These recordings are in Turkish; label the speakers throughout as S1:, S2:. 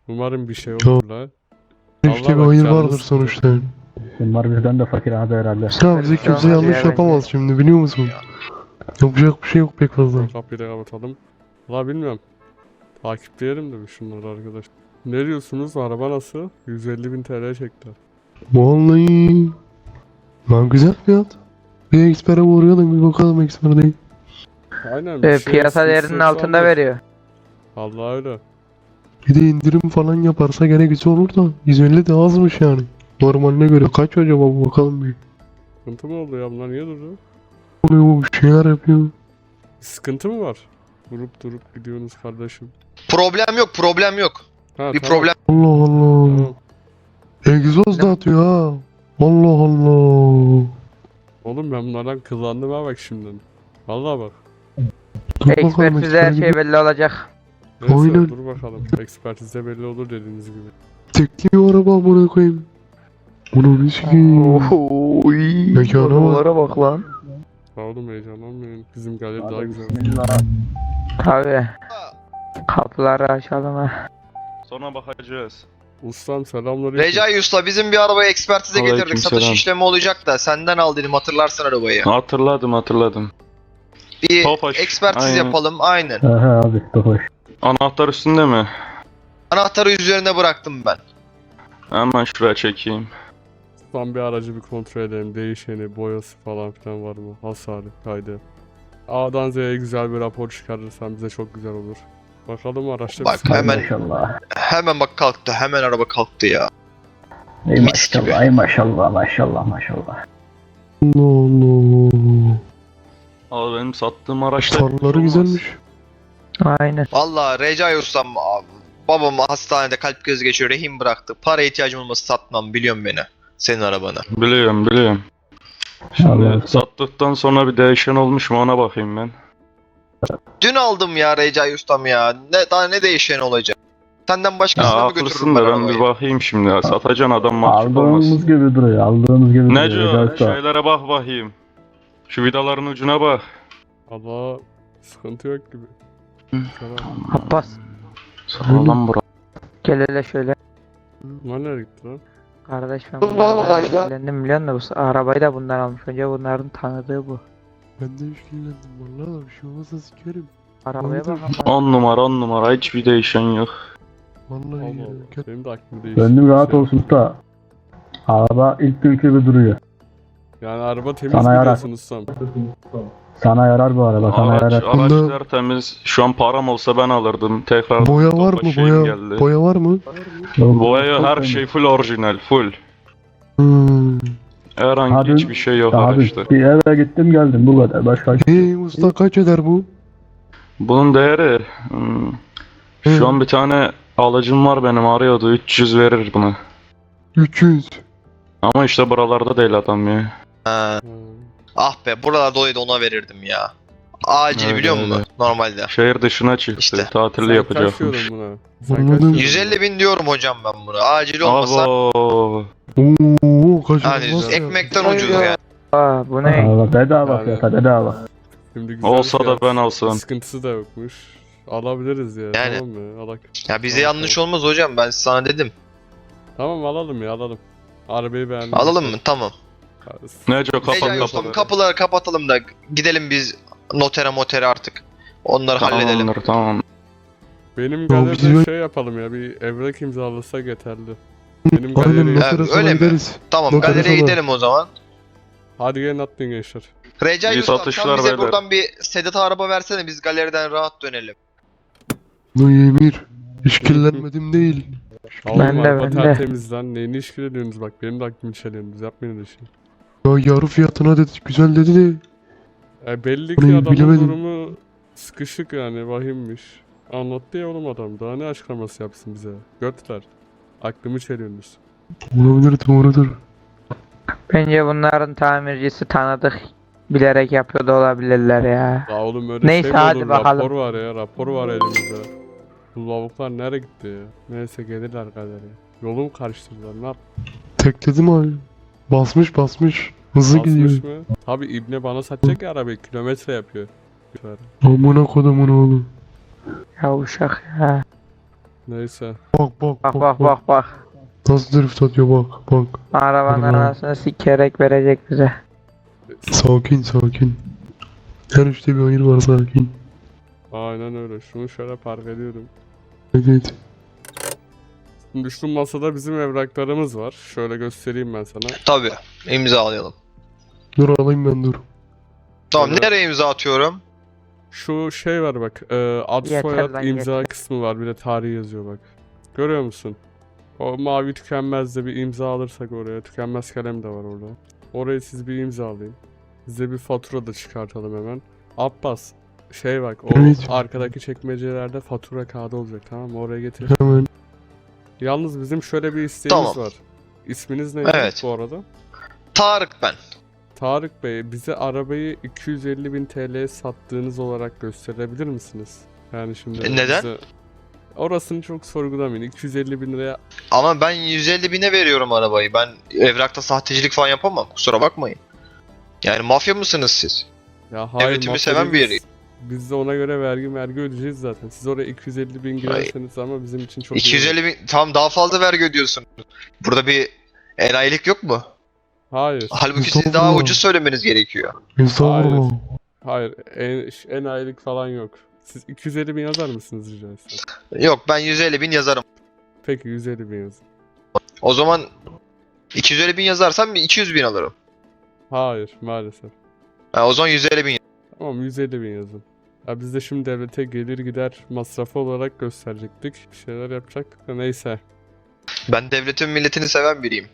S1: Umarım bir şey olur la.
S2: İşte bir
S1: Allah bak,
S2: hayır
S1: canınız
S2: vardır
S1: sıkılır.
S2: sonuçta.
S3: Bunlar bizden de fakir abi herhalde.
S2: Ya bize kimse yanlış yapamaz şimdi biliyor musun? Yapacak bir şey yok pek fazla.
S1: Kapıyı da kapatalım. La bilmiyorum. Takipleyelim de bir şunları arkadaş. Ne diyorsunuz? Araba nasıl? 150.000 TL çektiler.
S2: Vallahi. Lan güzel fiyat. Bir ekspere uğrayalım bir bakalım eksper değil.
S1: Aynen. bir şey
S4: Piyasa
S1: sıkıntısı
S4: değerinin
S1: yoksa
S4: altında
S1: alır.
S4: veriyor.
S1: Vallahi öyle.
S2: Bir de indirim falan yaparsa gene güzel olur da 150 de azmış yani. Normaline göre kaç acaba bu bakalım bir.
S1: Sıkıntı mı oldu ya? Bunlar niye durdu?
S2: Oluyor bu bir şeyler yapıyor.
S1: Bir sıkıntı mı var? Durup gidiyorsunuz kardeşim.
S5: Problem yok, problem yok.
S1: Ha,
S5: Bir
S1: tamam,
S5: problem.
S2: Allah Allah.
S1: Tamam.
S2: Egzoz da atıyor ha. Allah Allah.
S1: Oğlum ben bunlardan kıllandım ha bak şimdiden. Vallahi bak.
S2: Dur bakalım
S4: Ekspertizde her
S2: eksper
S4: şey
S2: gibi.
S4: belli olacak.
S1: Neyse
S2: Aynen.
S1: dur bakalım. Ekspertizde belli olur dediğiniz gibi.
S2: Tekliyor araba amına koyayım. Bunu ne sikiyim.
S4: Oy.
S2: Mekana bak.
S4: Oralara bak lan.
S1: Sağ olun heyecanlanmayın. Bizim galeri daha güzel.
S4: Tabii. Kapıları açalım ha.
S6: Sonra bakacağız.
S1: Ustam selamünaleyküm.
S5: Recai Usta bizim bir arabayı ekspertize getirdik.
S6: Aleykümselam.
S5: Satış işlemi olacak da senden al dedim, hatırlarsın arabayı.
S6: Hatırladım.
S5: Bir
S6: Tofaş,
S5: ekspertiz
S6: aynen.
S5: yapalım, aynen.
S3: He abi hoş.
S6: Anahtar üstünde mi?
S5: Anahtarı üzerine bıraktım ben.
S6: Hemen şuraya çekeyim.
S1: Ustam bir aracı bir kontrol edelim. Değişeni, boyası falan filan var mı? Hasarı, kaydı. A'dan Z'ye güzel bir rapor çıkarırsan bize çok güzel olur. Bakalım araçta
S5: Bak,
S1: bir sıkıntı
S5: hemen-
S1: yok.
S3: Maşallah.
S5: Hemen bak kalktı, hemen araba kalktı ya.
S3: Ey
S5: Mis gibi.
S3: maşallah, ey maşallah, maşallah, maşallah.
S2: Allah Allah.
S6: Abi benim sattığım araçta
S2: Farları güzelmiş.
S4: Aynen.
S5: Vallahi Recai Ustam, babam hastanede kalp krizi geçiyor, rehin bıraktı. Para ihtiyacım olması satmam, biliyorum beni. Senin arabanı.
S6: Biliyorum. Şimdi
S3: Allah.
S6: sattıktan sonra bir değişen olmuş mu ona bakayım ben.
S5: Dün aldım ya Recai Ustam ya. Daha ne değişen olacak? Senden
S6: Ya
S5: başkasına mı
S6: haklısın
S5: götürürüm
S6: da
S5: ben
S6: ben
S5: arabayı?
S6: bir bakayım şimdi ya. Satacaksın adam mahcup
S3: Aldığımız
S6: olmasın.
S3: gibi duruyor, aldığımız gibi duruyor.
S6: Neco
S3: Recai Usta.
S6: şeylere bak bakayım. Şu vidaların ucuna bak.
S1: Allah sıkıntı yok gibi. Selam.
S4: Abbas.
S6: Sağlam bura.
S4: Gel hele şöyle.
S1: Bunlar nereye gitti lan?
S4: Kardeş ben bunlardan etkilendim biliyor musun? Bu arabayı da bundan almış. Önce bunların tanıdığı bu.
S2: Ben de işkillendim vallahi da bir şey olmazsa sikerim.
S4: Arabaya bak ama.
S6: 10 numara hiçbir değişen yok.
S2: Vallahi
S1: Allah
S2: ya.
S1: Allah. Benim de aklım değişti.
S3: Gönlüm rahat olsun usta. Araba ilk günkü gibi duruyor.
S1: Yani araba temiz
S3: Sana
S1: mi
S3: yarar.
S1: diyorsun ustam?
S3: Sana yarar bu araba, sana
S6: Araç
S3: yarar.
S2: Bunda-
S6: tertemiz. Şu an param olsa ben alırdım. Tekrar
S2: Boya var mı
S6: Tofaş şeyim
S2: boya?
S6: geldi.
S2: Boya var mı?
S6: Boya her şey full orijinal, full.
S2: Hmm.
S6: Herhangi
S3: Abi-
S6: hiçbir şey yok
S3: Abi
S6: araçta.
S3: bir eve gittim geldim bu kadar. Başka hiçbir şey yok.
S2: Usta kaç eder bu?
S6: Bunun değeri şu an bir tane alıcım var benim arıyordu 300 verir buna.
S2: 300.
S6: Ama işte buralarda değil adam ya.
S5: Ha.
S1: Hmm.
S5: Ah be, buralarda olaydı ona verirdim ya. Acil
S6: Öyle,
S5: biliyor musun
S6: öyle.
S5: normalde?
S6: Şehir dışına çıktı.
S5: İşte.
S6: Tatilde
S1: Sen
S6: yapacakmış.
S1: kaç diyordun buna? Sen
S2: Anladım.
S1: kaç diyordun?
S5: 150.000 diyorum hocam ben buna. Acil olmasa
S6: Abo.
S2: Oo kaç
S5: yani
S2: olmaz ya.
S5: ekmekten ucuz yani.
S4: Aa bu ne?
S3: Aa, bedava
S1: Yani-
S3: fiyata, bedava.
S1: Şimdi güzel
S6: Olsa da
S1: fiyat,
S6: ben alsam.
S1: Sıkıntısı da yokmuş. Alabiliriz ya.
S5: Yani.
S1: Tamam mı? Alak.
S5: Ya bize
S1: Tamam,
S5: yanlış olmaz hocam, ben sana dedim.
S1: Tamam alalım ya alalım. Arabayı beğendim.
S5: Alalım mı? Tamam.
S6: Nece kapat
S5: Recai
S6: kapat.
S5: Ustam, kapıları kapatalım da gidelim biz notere artık. Onları halledelim.
S6: Tamamdır tamam.
S1: Benim
S2: bizim-
S1: galeride şey yapalım ya, bir evrak imzalasak yeterli. Benim
S2: Aynen
S1: galeri...
S2: notere
S5: öyle
S2: sonra
S5: mi?
S2: gideriz.
S5: Tamam,
S2: Notere
S5: galeriye
S2: sonra.
S5: gidelim o zaman.
S1: Hadi gelin atlayın gençler.
S5: Recai
S6: İyi
S5: Ustam,
S6: satışlar
S5: sen bize
S6: beyler.
S5: buradan bir Sedat araba versene, biz galeriden rahat dönelim.
S2: No Emir. İşkillenmedim değil.
S1: Oğlum
S4: de,
S1: araba
S4: ben de.
S1: tertemiz lan. Neyini işgal ediyorsunuz bak, benim de aklımı çeliyorsunuz. Yapmayın öyle şey.
S2: Ya yarı fiyatına dedi güzel dedi de.
S1: Belli ki
S2: Orayı
S1: adamın
S2: bilemedim.
S1: durumu sıkışık yani, vahimmiş. Anlattı ya oğlum adam, daha ne açıklaması yapsın bize. Götler. Aklımı çeliyorsunuz.
S2: Olabilir doğrudur.
S4: Bence bunların tamircisi tanıdık. Bilerek yapıyor da olabilirler ya.
S1: Ya oğlum öyle
S4: Neyse,
S1: şey mi
S4: hadi
S1: olur?
S4: bakalım.
S1: Rapor var ya, rapor var elimizde. Bu lavuklar nereye gitti ya? Neyse gelirler galeriye. Yolumu karıştırdılar, ne yap?
S2: Tekledim abi. Basmış. Hızlı gidiyor.
S1: Basmış mı? Tabi İbne bana satacak ya arabayı, kilometre yapıyor.
S2: Amına kodumun oğlu.
S4: Ya uşak ya.
S1: Neyse.
S2: Bak bak
S4: Bak bak bak bak.
S2: Nasıl drift atıyor bak bak.
S4: Arabanın
S2: Araba.
S4: arasını sikerek verecek bize.
S2: Sakin sakin. Her işte bir hayır var sakin.
S1: Aynen öyle. Şunu şöyle park ediyorum.
S2: Evet.
S1: Şimdi şu masada bizim evraklarımız var. Şöyle göstereyim ben sana.
S5: Tabii. İmzalayalım.
S2: Dur alayım ben dur.
S5: Tamam,
S1: Evet.
S5: nereye imza atıyorum?
S1: Şu şey var bak. Ad
S4: Yeter
S1: soyad
S4: lan,
S1: imza
S4: yeter.
S1: kısmı var. Bir de tarih yazıyor bak. Görüyor musun? O mavi tükenmezde bir imza alırsak oraya. Tükenmez kalem de var orada. Oraya siz bir imzalayın. Size bir fatura da çıkartalım hemen. Abbas. Şey bak. O
S2: Evet.
S1: arkadaki çekmecelerde fatura kağıdı olacak, tamam mı? Oraya getir.
S2: Hemen.
S1: Yalnız bizim şöyle bir isteğimiz
S5: Tamam.
S1: var. İsminiz neydi
S5: Evet.
S1: bu arada?
S5: Tarık ben.
S1: Tarık Bey, bize arabayı 250.000 TL'ye sattığınız olarak gösterebilir misiniz? Yani şimdi
S5: Neden?
S1: bize- Orasını çok sorgulamayın. 250.000 liraya...
S5: Ama ben 150 bine veriyorum arabayı. Ben evrakta sahtecilik falan yapamam. Kusura bakmayın. Yani mafya mısınız siz?
S1: Ya hayır,
S5: Devletimi
S1: mafya
S5: seven bir
S1: değiliz.
S5: yeriyim.
S1: Biz de ona göre vergi ödeyeceğiz zaten. Siz oraya 250.000 girerseniz ama bizim için çok iyi olur.
S5: 250 bin, tam daha fazla vergi ödüyorsun. Burada bir enayilik yok mu?
S1: Hayır.
S5: Halbuki siz daha
S2: Estağfurullah.
S5: ucuz söylemeniz gerekiyor.
S2: Estağfurullah.
S1: Hayır. Enayilik falan yok. Siz 250.000 yazar mısınız rica etsem?
S5: Yok, ben 150 bin yazarım.
S1: Peki 150.000 yazın.
S5: O zaman 250 bin yazarsam 200 bin alırım.
S1: Hayır maalesef.
S5: Ha, o zaman 150 bin.
S1: Tamam 150.000 yazın. Ya biz de şimdi devlete gelir gider masrafı olarak gösterecektik. Bir şeyler yapacak. Neyse.
S5: Ben devletin milletini seven biriyim.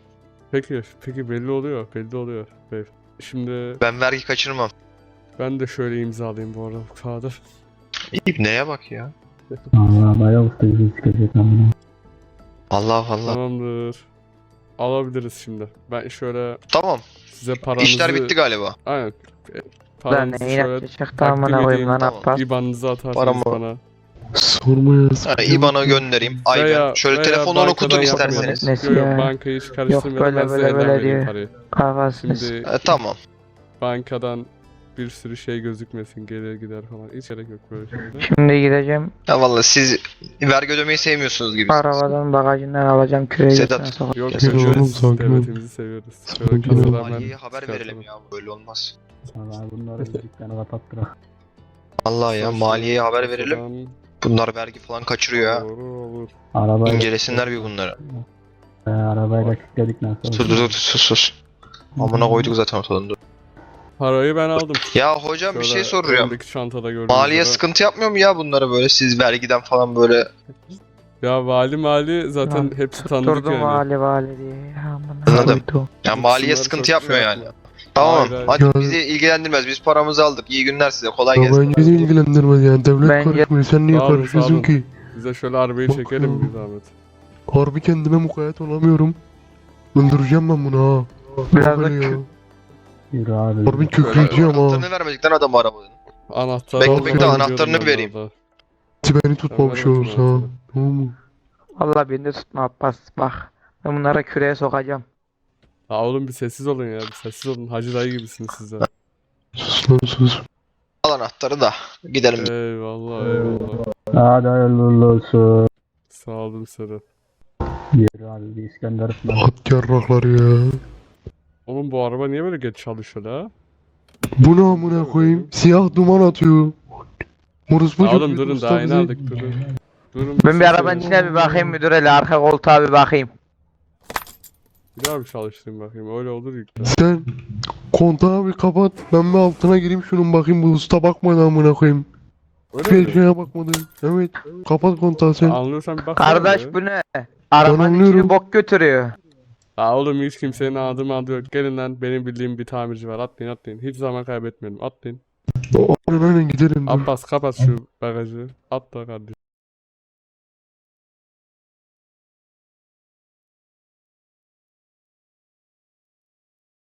S1: Peki belli oluyor. Belli oluyor. Şimdi
S5: Ben vergi kaçırmam.
S1: ben de şöyle imzalayayım bu arada bu kağıdı.
S5: İbneye bak ya.
S3: Allah bayağı usta yüzü çıkacak amına.
S5: Allah Allah.
S1: Tamamdır. Alabiliriz şimdi. Ben şöyle
S5: Tamam.
S1: size paranızı...
S5: İşler bitti galiba.
S1: Aynen.
S4: Lan
S1: Paranızı
S4: neyin
S1: şöyle
S4: atacak
S1: takdim
S4: amına koyayım
S1: edeyim.
S4: lan
S5: Tamam.
S4: Abbas.
S1: IBAN'ınızı atarsınız
S5: Paramı-
S1: bana.
S2: Sorma ya.
S5: Ha, IBAN'a göndereyim. Aynen. Şöyle telefonunu okutun
S1: bankadan
S5: isterseniz.
S1: yapmayalım.
S4: Nesi
S1: Yok yok,
S4: ya?
S1: bankayı hiç karıştırmayalım.
S4: böyle
S1: Ben size
S4: böyle
S1: elden
S4: böyle
S1: vereyim
S4: diyor.
S1: parayı.
S4: Kafasını
S1: Şimdi
S5: Tamam.
S1: bankadan bir sürü şey gözükmesin, gelir gider falan. Hiç gerek yok böyle şeylere.
S4: Şimdi gideceğim
S5: Ya vallahi siz vergi ödemeyi sevmiyorsunuz gibi.
S4: arabadan bagajından alacağım küreği
S5: Sedat.
S4: götüne sokacağım.
S1: Yok
S2: Sakin ol oğlum,
S1: severiz,
S2: sakin ol.
S1: devletimizi seviyoruz. Şöyle
S2: Sakin ol.
S1: kasadan ben
S5: Maliyeye haber
S1: çıkartalım.
S5: verelim ya. Böyle olmaz.
S3: Allah bunları dükkanı kapattıra.
S5: Allah ya,
S1: Şöyle
S5: maliyeye haber verelim.
S1: kasadan
S5: Bunlar vergi falan kaçırıyor ya.
S1: olur.
S3: Arabayla
S5: İncelesinler bir bunları.
S3: Arabayla kilitledik nasıl?
S5: Sus sus sus. Amına koyduk zaten ortadan, dur.
S1: Parayı ben aldım.
S5: Ya hocam bir şey
S1: Şöyle
S5: soracağım.
S1: öndeki çantada gördüğünüz
S5: Maliye
S1: üzere.
S5: sıkıntı yapmıyor mu ya bunlara böyle, siz vergiden falan böyle?
S1: Ya vali zaten
S4: Lan,
S1: hepsi tanıdık
S4: Durdum
S1: yani.
S4: vali diye. Ya amına
S5: Anladım.
S4: koydum.
S5: Ya maliye
S1: Bunlar
S5: sıkıntı
S1: çok
S5: yapmıyor
S1: şey
S5: yani.
S1: yapma.
S5: Tamam.
S1: Hayır, hayır.
S5: Hadi
S2: Ya-
S5: bizi ilgilendirmez. Biz paramızı aldık. İyi günler size. Kolay
S2: Ya
S5: gelsin.
S2: bence de ilgilendirmez yani. Devlet
S4: Bence-
S2: karışmıyor. Sen niye
S1: Sağ olun,
S2: karışıyorsun
S1: sağ olun.
S2: ki?
S1: Bize şöyle arabayı
S2: Bak
S1: çekelim
S2: ya.
S1: bir zahmet.
S2: Harbi kendime mukayyet olamıyorum. Öldüreceğim ben bunu ha.
S4: Biraz
S2: Bak
S4: da
S2: hele ya.
S3: Yürü abi.
S2: Harbi kökleyeceğim ha.
S5: Anahtarını vermedikten adam arabanın.
S1: Anahtarı
S5: Bekle,
S1: aldım,
S2: bekle,
S1: ben
S5: anahtarını
S1: gidiyordum
S5: vereyim.
S1: orada.
S2: Beni tutmamış
S1: Ben
S2: olursa ha.
S1: vermedim
S2: Tamam mı?
S4: Valla beni de tutma Abbas bak. Ben bunlara küreğe sokacağım.
S1: Ya oğlum bir sessiz olun ya, bir sessiz olun. Hacı dayı gibisiniz siz de.
S2: Sus lan sus.
S5: Al anahtarı da. Gidelim.
S1: Eyvallah eyvallah.
S3: Hadi hayırlı olsun.
S1: Sağ olun Serhat.
S3: Yürü abi bir İskender ısmarla.
S2: At yarrakları ya.
S1: Oğlum bu araba niye böyle geç çalışıyor la?
S2: Bu ne amına koyayım? Siyah duman atıyor. Orospu
S1: Ya oğlum
S2: çocuğu
S1: durun
S2: usta
S1: daha yeni
S2: bizi-
S1: aldık durun. Durun
S4: Ben bir
S1: şey
S4: arabanın
S1: söyleyeyim.
S4: içine bir bakayım müdüre arka koltuğa bir bakayım.
S1: Bir daha bir çalıştırayım bakayım, öyle olur yükle.
S2: Sen kontağı bir kapat. Ben bir altına gireyim şunun bakayım. Bu usta bakmadı amına koyayım.
S1: Öyle mi?
S2: Bir şeye bakmadı. Evet. Kapat kontağı sen.
S1: Anlıyorsan bir bak.
S4: Kardeş bu ne? Arabanın
S2: anlıyorum.
S4: içini bok götürüyor.
S1: Ha oğlum hiç kimsenin adı yok. Gelin lan, benim bildiğim bir tamirci var. Atlayın. Hiç zaman kaybetmeyelim. Atlayın.
S2: Aynen giderim. dur.
S1: Abbas kapat şu bagajı. Atla kardeşim.